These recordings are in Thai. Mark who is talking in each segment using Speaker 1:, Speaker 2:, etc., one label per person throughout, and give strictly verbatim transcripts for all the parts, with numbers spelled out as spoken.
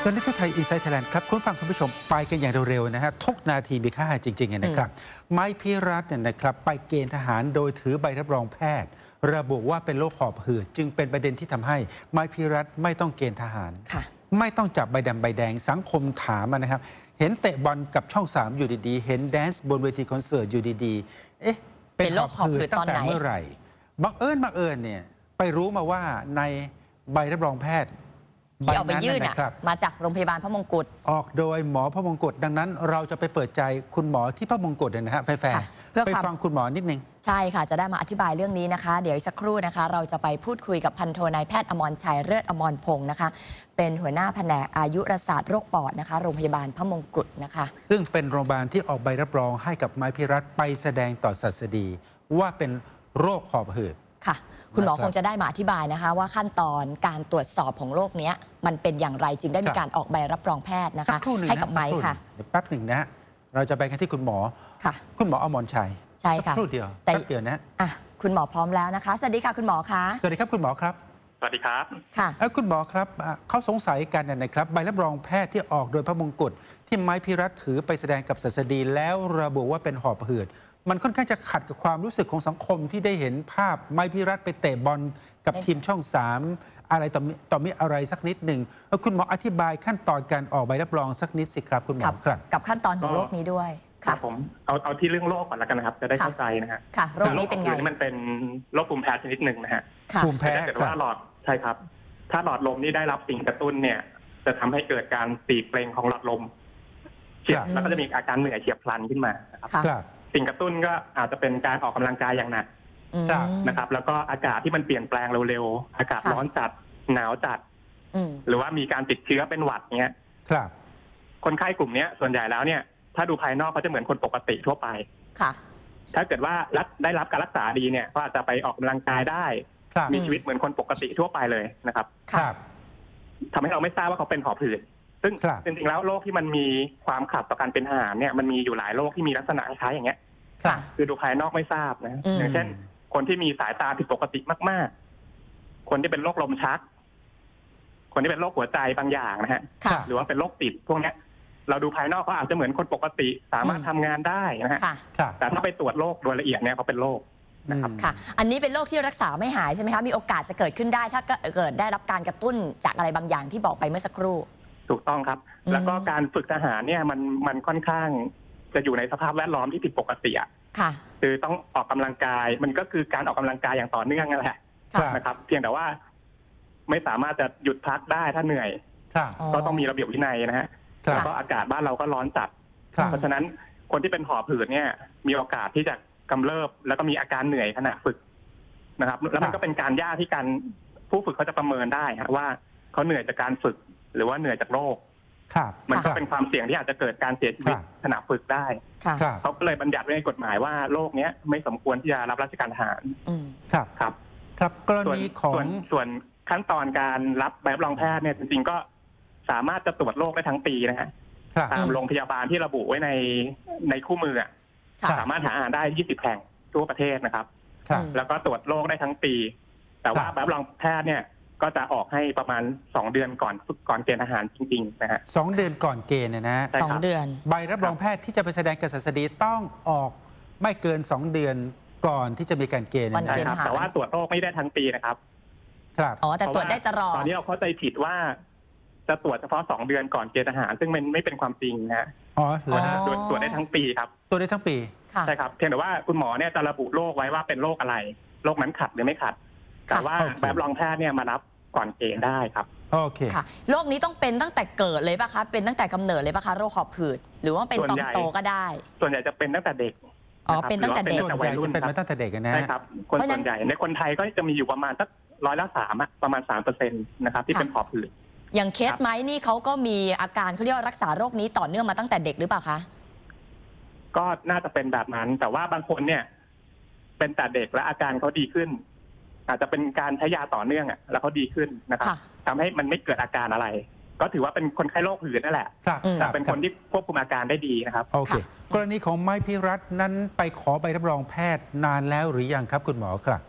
Speaker 1: ตอนนี้ที่ไทยอินไซต์ไทยแลนด์ครับคุณฟังคุณผู้ชมไปกันอย่างเร็วๆนะฮะทุกนาทีมีค่าจริงๆนะครับไม้พิรัตน์เนี่ยนะครับไปเกณฑ์ทหารโดยถือใบรับรองแพทย์ระบุว่าเป็นโรคหอบหืดจึงเป็นประเด็นที่ทำให้ไม้พิรัตน์ไม่ต้องเกณฑ์ทหารไม่ต้องจับใบดำใบแดงสังคมถามนะครับเห็นเตะบอลกับช่องสามอยู่ดีๆเห็นแดนซ์บนเวทีคอนเสิร์ตอยู่ดีๆเอ๊ะเป็นโรคหอบหืดตั้งแต่เมื่อไหร่บังเอิญบังเอิญเนี่ยไปรู้มาว่าในใบรับรองแพทย์
Speaker 2: ที่เอาไปยื่นมาจากโรงพยาบาลพระมงกุฎ
Speaker 1: ออกโดยหมอพระมงกุฎดังนั้นเราจะไปเปิดใจคุณหมอที่พระมงกุฎนะฮะแฟนๆไปฟังคุณหมอนิดนึง
Speaker 2: ใช่ค่ะจะได้มาอธิบายเรื่องนี้นะคะเดี๋ยวอีกสักครู่นะคะเราจะไปพูดคุยกับพันโทนายแพทย์อมรชัยเลิศอมรพงศ์นะคะเป็นหัวหน้าแผนกอายุรศาสตร์โรคปอดนะคะโรงพยาบาลพระมงกุฎนะคะ
Speaker 1: ซึ่งเป็นโรงพยาบาลที่ออกใบรับรองให้กับไม้พิรัตน์ไปแสดงต่อศัสดีว่าเป็นโรคหอบหืด
Speaker 2: ค่ะคุณหมอคงจะได้มาอธิบายนะคะว่าขั้นตอนการตรวจสอบของโรคนี้มันเป็นอย่างไรจึงได้มีการออกใบรับรองแพทย์นะคะให้กับไม้ค่ะ
Speaker 1: เดี๋ยวแป๊บหนึ่งนะเราจะไปกันที่คุณหมอ
Speaker 2: ค่ะ
Speaker 1: คุณหมออมรชัย
Speaker 2: ใช่ค่ะ
Speaker 1: ครู่เดียวแป๊บเดียวนะ
Speaker 2: อ่ะคุณหมอพร้อมแล้วนะคะสวัสดีค่ะคุณหมอคะ
Speaker 1: สวัสดีครับคุณหมอครับ
Speaker 3: สวัสดีครับ
Speaker 2: ค่ะ
Speaker 1: แล้วคุณหมอครับเขาสงสัยกันนะครับใบรับรองแพทย์ที่ออกโดยพระมงกุฎที่ไม้พิรัตน์ถือไปแสดงกับศัสดีแล้วระบุว่าเป็นหอบหืดมันค่อนข้างจะขัดกับความรู้สึกของสังคมที่ได้เห็นภาพไม้พิรัตน์ไปเตะบอลกับทีมช่องสามอะไรต่อมีต่อมีอะไรสักนิดหนึ่งคุณหมออธิบายขั้นตอนการออกใบรับรองสักนิดสิครับคุณหมอครับ
Speaker 2: กับขั้นตอนของโรคนี้ด้วย
Speaker 3: ครับผมเอาเอาที่เรื่องโรคก่อนแล้วกันนะครับจะได้เข้าใจนะฮะ
Speaker 2: ค่ะโรคนี้เป็นไง
Speaker 3: มันเป็นโรคภูมิแพ้ชนิดหนึ่งนะฮะ
Speaker 1: ภูมิแพ้
Speaker 3: ถ้าเกิดว่าหลอดใช่ครับถ้าหลอดลมนี่ได้รับสิ่งกระตุ้นเนี่ยจะทำให้เกิดการตีบเปล่งของหลอดลมเฉียบแล้วก็จะมีอาการเหนื่อยเฉียบพลันขึ้นมานะครับสิ่งกระตุ้นก็อาจจะเป็นการออกกำลังกายอย่างหนักนะครับแล้วก็อากาศที่มันเปลี่ยนแปลงเร็วๆอากาศร้อนจัดหนาวจัดหรือว่ามีการติดเชื้อเป็นหวัดเงี้ย
Speaker 1: ครับ
Speaker 3: คนไข้กลุ่มนี้ส่วนใหญ่แล้วเนี่ยถ้าดูภายนอกเขาจะเหมือนคนปกติทั่วไป
Speaker 2: ค่ะ
Speaker 3: ถ้าเกิดว่าได้รับการรักษาดีเนี่ยก็อาจจะไปออกกำลังกายได้มีชีวิตเหมือนคนปกติทั่วไปเลยนะครับ
Speaker 1: ครับ
Speaker 3: ทำให้เราไม่ทราบว่าเขาเป็นหอบหืดซึ่งจริงๆแล้วโรคที่มันมีความขัดต่อการเป็นทหารเนี่ยมันมีอยู่หลายโรคที่มีลักษณะคล้ายอย่างเงี้ยคือดูภายนอกไม่ทราบนะอย่างเช่นคนที่มีสายตาผิดปกติมากๆคนที่เป็นโรคลมชักคนที่เป็นโรคหัวใจบางอย่างนะฮะหรือว่าเป็นโรคติดพวกเนี้ยเราดูภายนอกเขาอาจจะเหมือนคนปกติสามารถทำงานได้นะฮะแต่ถ้าไปตรวจโรคโดยละเอียดเนี่ยเขาเป็นโรคนะครับ
Speaker 2: ค่ะอันนี้เป็นโรคที่รักษาไม่หายใช่ไหมคะมีโอกาสจะเกิดขึ้นได้ถ้าเกิดได้รับการกระตุ้นจากอะไรบางอย่างที่บอกไปเมื่อสักครู่
Speaker 3: ถูกต้องครับแล้วก็การฝึกทหารเนี่ยมันมันค่อนข้างจะอยู่ในสภาพแวดล้อมที่ผิดปกติอ่ะ
Speaker 2: ค่ะ
Speaker 3: คือต้องออกกำลังกายมันก็คือการออกกำลังกายอย่างต่อเนื่องนั่นแหละนะครับเพียงแต่ว่าไม่สามารถจะหยุดพักได้ถ้าเหนื่อยก็ต้องมีระเบียบวินัยนะฮะแล้วก็อากาศบ้านเราก็ร้อนจัดเพราะฉะนั้นคนที่เป็นหอบหืดเนี่ยมีโอกาสที่จะกำเริบแล้วก็มีอาการเหนื่อยขณะฝึกนะครับแล้วมันก็เป็นการยากที่การผู้ฝึกเขาจะประเมินได้ว่าเขาเหนื่อยจากการฝึกหรือว่าเหนื่อยจากโรคมันก็เป็นความเสี่ยงที่อาจจะเกิดการเสียชีวิตขณะฝึกได้เขาก็เลยบัญญัติไว้ในกฎหมายว่าโรคนี้ไม่สมควรที่จะรับราชการทหาร
Speaker 1: ครับ
Speaker 3: ครับ
Speaker 1: ครับกรณีของ
Speaker 3: ส่วนขั้นตอนการรับใบรับรองแพทย์เนี่ยจริงๆก็สามารถจะตรวจโรคได้ทั้งปีนะฮะตามโรงพยาบาลที่ระบุไว้ในในคู่มือสามารถหาอ่านได้ยี่สิบแห่งทั่วประเทศนะครับแล้วก็ตรวจโรคได้ทั้งปีแต่ว่าใบรับรองแพทย์เนี่ยก็จะออกให้ประมาณสองเดือนก่อนก่อนเกณฑ์ทหารจริงๆนะฮะ
Speaker 1: สองเดือนก่อนเกณฑ์นะฮะ
Speaker 2: สองเดือน
Speaker 1: ใบรับรองแพทย์ที่จะไปแสดงกับศัสดีต้องออกไม่เกินสองเดือนก่อนที่จะมีการเกณฑ์
Speaker 3: นะครับแต่ว่าตรวจโรคไม่ได้ทั้งปีนะครับ
Speaker 1: ครับ
Speaker 2: อ๋อแต่ตรวจได้ตลอด
Speaker 3: ตอนนี้เราเข้าใจผิดว่าจะตรวจเฉพาะสองเดือนก่อนเกณฑ์ทหารซึ่งมันไม่เป็นความจริงนะ
Speaker 1: อ๋อเหรอฮะ
Speaker 3: ตรวจตรวจได้ทั้งปีครับ
Speaker 1: ตรวจได้ทั้งปี
Speaker 3: ใช่ครับเพียงแต่ว่าคุณหมอเนี่ยจะระบุโรคไว้ว่าเป็นโรคอะไรโรคนั้นขัดหรือไม่ขัดแต่ว่าแบบรองแพทย์เนี่ยมารับก่อนเกณฑ์ได้ครับ
Speaker 1: โอเค
Speaker 2: ค่ะโรคนี้ต้องเป็นตั้งแต่เกิดเลยป่ะคะเป็นตั้งแต่กำเนิดเลยป่ะคะโรคหอบหืดหรือว่าเป็นตอนโตก็ได้
Speaker 3: ส่วนใหญ่จะเป็นตั้งแต่เด็ก
Speaker 2: อ๋อเป็นตั้งแต่เด็ก
Speaker 1: ส่วนใหญ่จะเป็นมาตั้งแต่เด็กนะ
Speaker 3: ใช่ครับคนส่วนใหญ่ในคนไทยก็จะมีอยู่ประมาณสักร้อยละสามอะประมาณสามเปอร์เซ็นต์นะครับที่เป็นหอบหืด
Speaker 2: อย่างเคสไม้นี่เขาก็มีอาการเขาเรียกว่ารักษาโรคนี้ต่อเนื่องมาตั้งแต่เด็กหรือเปล่าคะ
Speaker 3: ก็น่าจะเป็นแบบนั้นแต่ว่าบางคนเนี่ยเป็นแต่เด็กและอาการเขาดีขึ้นอาจจะเป็นการใช้ยาต่อเนื่องอ่ะแล้วเขาดีขึ้นนะครับทำให้มันไม่เกิดอาการอะไรก็ถือว่าเป็นคนไข้โรคหืดนั่นแหละแต่เป็นคนที่ควบคุมอาการได้ดีนะครับ
Speaker 1: โอเคกรณีของไม้พิรัตน์นั้นไปขอใบรับรองแพทย์นานแล้วหรือยังครับคุณหมอครับ
Speaker 3: ก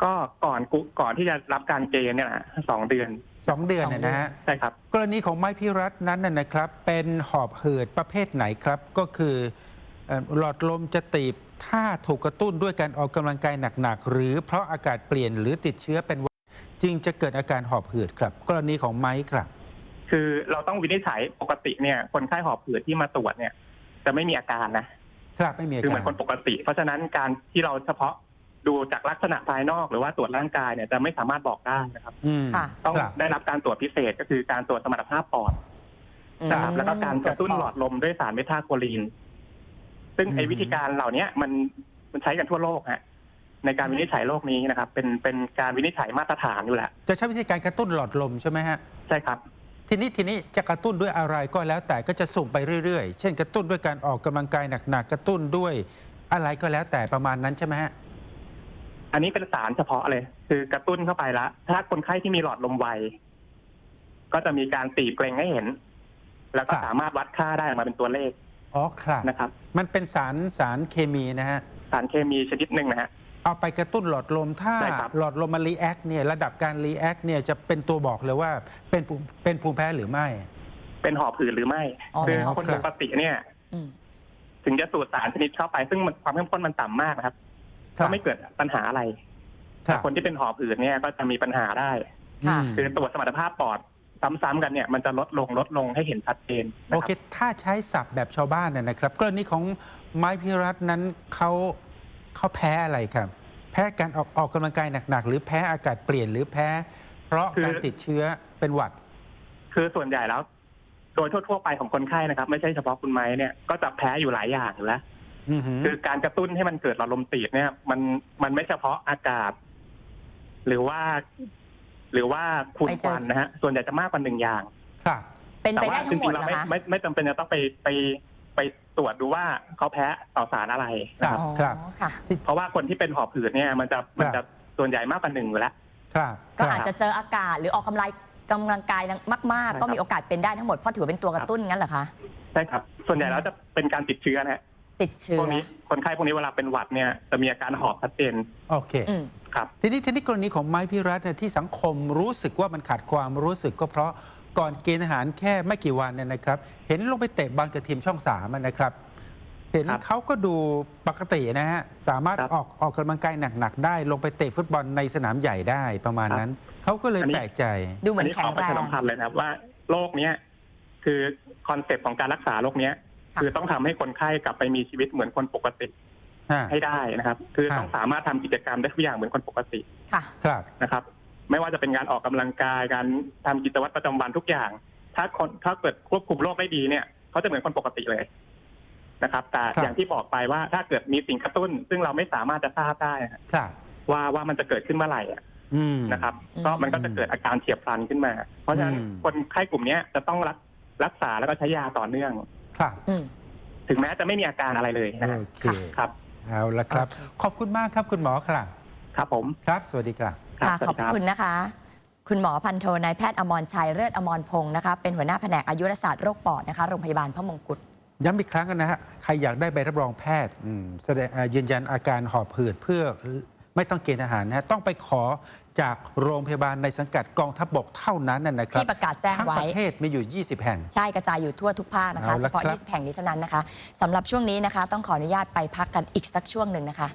Speaker 3: ก็ก่อนกุก่อนที่จะรับการเกณฑ์เนี่ยนะสองเดือน
Speaker 1: สองเดือนนะนะฮะ
Speaker 3: ใช่ครับ
Speaker 1: กรณีของไม้พิรัตน์นั้นนะนะครับ เป็นหอบหืดประเภทไหนครับ ก็คือเอ่อหลอดลมจะตีบถ้าถูกกระตุ้นด้วยการออกกำลังกายหนักๆหรือเพราะอากาศเปลี่ยนหรือติดเชื้อเป็นหวัดจึงจะเกิดอาการหอบหืดครับ กรณีของไม้ครับ
Speaker 3: คือเราต้องวินิจฉัยปกติเนี่ยคนไข้หอบหืดที่มาตรวจเนี่ย จะไม่มีอาการนะครับ
Speaker 1: ไม่มีอา
Speaker 3: คือเห
Speaker 1: กา
Speaker 3: มื
Speaker 1: ร
Speaker 3: อนคนปกติ เพราะฉะนั้นการที่เราเฉพาะดูจากลักษณะภายนอกหรือว่าตรวจร่างกายเนี่ยจะไม่สามารถบอกได้นะครับ
Speaker 1: อืม
Speaker 2: ค่ะ
Speaker 3: ต้อง
Speaker 1: ครับ
Speaker 3: ได้รับการตรวจพิเศษก็คือการตรวจสมรรถภาพปอด
Speaker 2: อืม
Speaker 3: นะครับแล้วก็การกระตุ้นหลอดลมด้วยสารเบต้าโคลีน ซึ่งไอ้
Speaker 1: อืม
Speaker 3: วิธีการเหล่านี้มันมันใช้กันทั่วโลกฮะในการวินิจฉัยโรคนี้นะครับ เป็นเป็นการวินิจฉัยมาตรฐานอยู่แหละ
Speaker 1: จะใช้วิธีการกระตุ้นหลอดลมใช่ไหมฮะ
Speaker 3: ใช่ครับ
Speaker 1: ทีนี้ทีนี้จะกระตุ้นด้วยอะไรก็แล้วแต่ก็จะสุ่มไปเรื่อยๆ เช่นกระตุ้นด้วยการออกกำลังกายหนักๆกระตุ้นด้วยอะไรก็แล้วแต่ประมาณนั้นใช่ไหมฮะ
Speaker 3: อันนี้เป็นสารเฉพาะเลย คือกระตุ้นเข้าไปละถ้าคนไข้ที่มีหลอดลมไวก็จะมีการตีบเกร็งให้เห็น แล้วก็
Speaker 1: ครับ
Speaker 3: สามารถวัดค่าได้ออกมาเป็นตัวเลข
Speaker 1: อ๋อครับ
Speaker 3: นะครับ
Speaker 1: มันเป็นสารสารเคมีนะฮะ
Speaker 3: สารเคมีชนิดหนึ่งนะฮะ
Speaker 1: เอาไปกระตุ้นหลอดลมถ้า
Speaker 3: ใช่ครับ
Speaker 1: หลอดลมมันรีแอคเนี่ยระดับการรีแอคเนี่ยจะเป็นตัวบอกเลยว่าเป็นภูมิเป็นภูมิแพ้หรือไม่
Speaker 3: เป็นหอบหืดหรือไม่
Speaker 2: อ๋อ
Speaker 3: คื
Speaker 2: เป็
Speaker 3: อน
Speaker 2: หอบ
Speaker 3: คน
Speaker 2: หื
Speaker 3: ป
Speaker 2: ด
Speaker 3: กติเนี่ย
Speaker 2: อืม
Speaker 3: ถึงจะสูดสารชนิดเข้าไป ซึ่งมันความเข้มข้นมันต่ำมากนะครับ
Speaker 1: ครั
Speaker 3: ก็
Speaker 1: บ
Speaker 3: ไม่เกิดปัญหาอะไร
Speaker 1: ครั
Speaker 3: แต่
Speaker 1: บ
Speaker 3: คนที่เป็นหอบหืดเนี่ยก็จะมีปัญหาได้
Speaker 2: ค่ะ
Speaker 1: อืม
Speaker 3: คือตรวจสมรรถภาพปอดซ้ำๆกันเนี่ยมันจะลดลงลดลงให้เห็นชัดเจนนะ
Speaker 1: โอ
Speaker 3: ค
Speaker 1: เครับ ถ้าใช้ศัพท์แบบชาวบ้านน่ะนะครับกรณีของไม้พิรัตน์นั้นเขาเขาแพ้อะไรครับ แพ้การออกออกกำลังกายหนักๆหรือแพ้อากาศเปลี่ยนหรือแพ้ เพราะการติดเชื้อเป็นหวัด
Speaker 3: คือส่วนใหญ่แล้ว โดยทั่วๆไปของคนไข้นะครับ ไม่ใช่เฉพาะคุณไม้เนี่ยก็จะแพ้อยู่หลายอย่างอยู่แล้ว
Speaker 1: อือหือ
Speaker 3: คือการกระตุ้นให้มันเกิดหลอดลมตีบเนี่ย มันมันไม่เฉพาะอากาศ หรือว่า หรือว่าฝุ่น
Speaker 2: ไป
Speaker 3: ค
Speaker 2: เจอ
Speaker 3: วันนะฮะส่วนใหญ่จะมากกว่าหนึ่งอย่าง
Speaker 1: ครับ
Speaker 2: เป็น
Speaker 3: แต่
Speaker 2: ไป
Speaker 3: ว่า
Speaker 2: ได้
Speaker 3: จ
Speaker 2: ทั้งหม
Speaker 3: ริ
Speaker 2: ด
Speaker 3: งๆ
Speaker 2: เหร
Speaker 3: เรา
Speaker 2: อ
Speaker 3: ไม่
Speaker 2: คะ
Speaker 3: ไม่ไม่จำเป็นจะต้องไปไปไปตรวจดูว่าเขาแพ้ต่อสารอะไรนะครับ
Speaker 2: อ๋อ
Speaker 1: ครับ
Speaker 2: ค่ะ
Speaker 3: เพราะว่าคนที่เป็นหอบหืดเนี่ย มันจะมันจะส่วนใหญ่มากกว่าหนึ่งอยู่แล้ว
Speaker 1: ครับ
Speaker 2: ก็
Speaker 1: ค
Speaker 2: อาจ
Speaker 1: รับ
Speaker 2: จะเจออากาศหรือออกกำลังกำลังกายมาก
Speaker 3: ใช่ครับ
Speaker 2: ๆ ก็มีโอกาสเป็นได้ทั้งหมดเพราะถือเป็นตัวกระตุ้นงั้นเหรอคะ
Speaker 3: ใช่ครับ ส่วนใหญ่แล้วจะเป็นการติดเชื้อนะฮะ
Speaker 2: ติดเชื้
Speaker 3: พ
Speaker 2: อ
Speaker 3: วกนี้คนไข้พวกนี้เวลาเป็นหวัดเนี่ยจะมีอาการหอบชัดเจน
Speaker 1: โอเค
Speaker 2: อืม
Speaker 3: ครับ
Speaker 1: ทีนี้ทีนี้กรณีของไม้พิรัตน์เนี่ยที่สังคมรู้สึกว่ามันขาดความรู้สึกก็เพราะก่อนเกณฑ์อาหารแค่ไม่กี่วันเนี่ยนะครับ เห็นลงไปเตะบอลกับทีมช่องสามอะนะครับ เห็น
Speaker 3: ครับ
Speaker 1: เขาก็ดูปกตินะฮะสามารถ
Speaker 3: ครับ
Speaker 1: ออกออกกำลังกายหนักๆได้ลงไปเตะฟุตบอลในสนามใหญ่ได้ประมาณนั้นเขาก็เลย
Speaker 3: อันนี้
Speaker 1: แปลกใจ
Speaker 2: ดูเหมื
Speaker 3: อั
Speaker 2: อน น
Speaker 3: นี้
Speaker 2: แข็
Speaker 3: ข
Speaker 2: ง
Speaker 3: อประ
Speaker 2: แร
Speaker 3: ชาง สัมพันธ์เลยนะครับว่าโรคเนี้ยคือคอนเซ็ปต์ของการรักษาโรคเนี้ย
Speaker 2: ค่ะ
Speaker 3: คือต้องทำให้คนไข้กลับไปมีชีวิตเหมือนคนปกติ
Speaker 1: ฮะ
Speaker 3: ให้ได้นะครับ คือ
Speaker 1: ฮะ
Speaker 3: ต้องสามารถทำกิจกรรมได้ทุกอย่างเหมือนคนปกติ
Speaker 2: ค่ะ
Speaker 1: ครับ
Speaker 3: นะครับ ไม่ว่าจะเป็นการออกกำลังกายการทำกิจวัตรประจำวันทุกอย่าง ถ้าคนถ้าเกิดควบคุมโรคได้ดีเนี่ยเขาจะเหมือนคนปกติเลยนะครับ แต่
Speaker 1: ครับ
Speaker 3: อย่างที่บอกไปว่าถ้าเกิดมีสิ่งกระตุ้น ซึ่งเราไม่สามารถจะทราบได้
Speaker 1: ครับ
Speaker 3: ว่าว่ามันจะเกิดขึ้นเมื่อไหร่อะ
Speaker 1: อืม
Speaker 3: นะครับ
Speaker 2: อืม
Speaker 3: ก็มันก็จะเกิดอาการเฉียบพลันขึ้นมา เพราะฉะนั้น
Speaker 1: อืม
Speaker 3: คนไข้กลุ่มเนี้ยจะต้องรักรักษาแล้วก็ใช้ยาต่อเนื่อง
Speaker 1: ครับ
Speaker 2: อืม
Speaker 3: ถึงแม้จะไม่มีอาการอะไรเลยนะฮะ
Speaker 1: โอเค
Speaker 3: ครับ
Speaker 1: เอาละครับ
Speaker 2: โอเค
Speaker 1: ขอบคุณมากครับคุณหมอครับ
Speaker 3: ครับผม
Speaker 1: ครับ สวัสดีครับ
Speaker 3: ครับ
Speaker 2: ค่ะ
Speaker 3: ส
Speaker 2: ข
Speaker 3: วั
Speaker 2: อบ
Speaker 3: สดีครับ
Speaker 2: คุณนะคะ คุณหมอพันโทนายแพทย์อมรชัยเลิศอมรพงศ์นะคะ เป็นหัวหน้าแผนกอายุรศาสตร์โรคปอดนะคะโรงพยาบาลพระมงกุฎ
Speaker 1: ย้ำอีกครั้งนะฮะ ใครอยากได้ใบรับรองแพทย์อืมแสดงอ่ายืนยันอาการหอบหืดเพื่อไม่ต้องเกณฑ์อาหารนะฮะ ต้องไปขอจากโรงพยาบาลในสังกัดกองทัพบกเท่านั้นนะนะครับ
Speaker 2: ที่ประกาศแจ้ง
Speaker 1: ทั้ง
Speaker 2: ไว้
Speaker 1: ประเทศมีอยู่ ยี่สิบ แห่ง
Speaker 2: ใช่กระจายอยู่ทั่วทุกภาคนะคะ
Speaker 1: เอา
Speaker 2: เฉ
Speaker 1: ละ
Speaker 2: พาะ
Speaker 1: ครับ
Speaker 2: ยี่สิบแห่งนี้เท่านั้นนะคะสำหรับช่วงนี้นะคะ ต้องขออนุญาตไปพักกันอีกสักช่วงหนึ่งนะคะ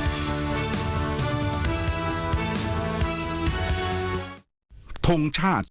Speaker 4: ธงชาติ